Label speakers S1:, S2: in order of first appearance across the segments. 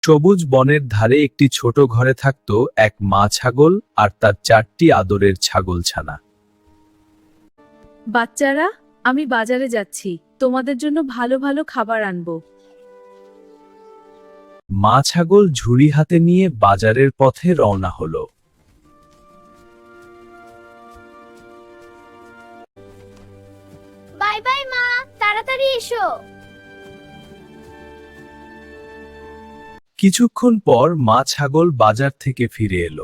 S1: সবুজ বনের ধারে একটি ছোট ঘরে থাকত এক মা ছাগল আর তার 4টি আদরের ছাগলছানা।
S2: বাচ্চারা, আমি বাজারে যাচ্ছি, তোমাদের জন্য ভালো ভালো খাবার আনবো।
S1: মা ছাগল ঝুড়ি হাতে নিয়ে বাজারের পথে রওনা হলো।
S3: বাই বাই মা, তাড়াতাড়ি এসো।
S1: কিছুক্ষণ পর মা ছাগল বাজার থেকে ফিরে এলো।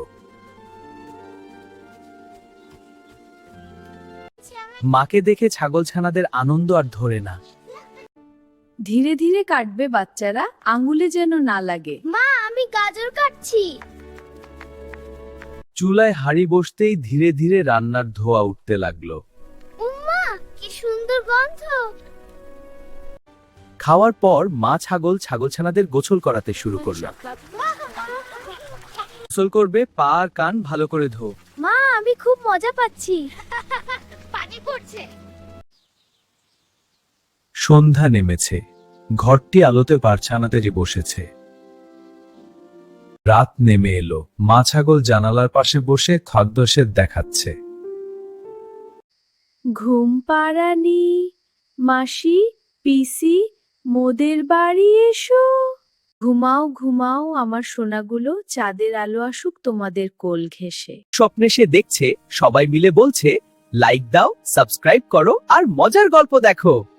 S1: মাকে দেখে ছাগলছানাদের আনন্দ আর ধরে না।
S2: ধীরে ধীরে কাটবে বাচ্চারা, আঙুলে যেন না লাগে।
S3: মা, আমি গাজর কাটছি।
S1: চুলায় হাঁড়ি বসতেই ধীরে ধীরে রান্নার ধোঁয়া উঠতে লাগলো।
S3: উম্মা, কি সুন্দর গন্ধ।
S1: খাওয়ার পর মা ছাগল ছাগলছানাদের গোসল করাতে শুরু করলো। গোসল করবে, পা আর কান ভালো করে ধো।
S3: মা, আমি খুব মজা পাচ্ছি। পানি পড়ছে।
S1: সন্ধ্যা নেমেছে, ঘরটি আলোতে পারছানাতে বসেছে। রাত নেমে এলো, মা ছাগল জানালার পাশে বসে খাদ্যশেদ দেখাচ্ছে।
S2: ঘুম পাড়ানি, মাসি, পিসি, মোদের বাড়ি এসো। ঘুমাও ঘুমাও আমার সোনাগুলো, চাঁদের আলো আসুক তোমাদের কোল ঘেঁষে।
S1: স্বপ্নে সে দেখছে সবাই মিলে বলছে, লাইক দাও, সাবস্ক্রাইব করো আর মজার গল্প দেখো।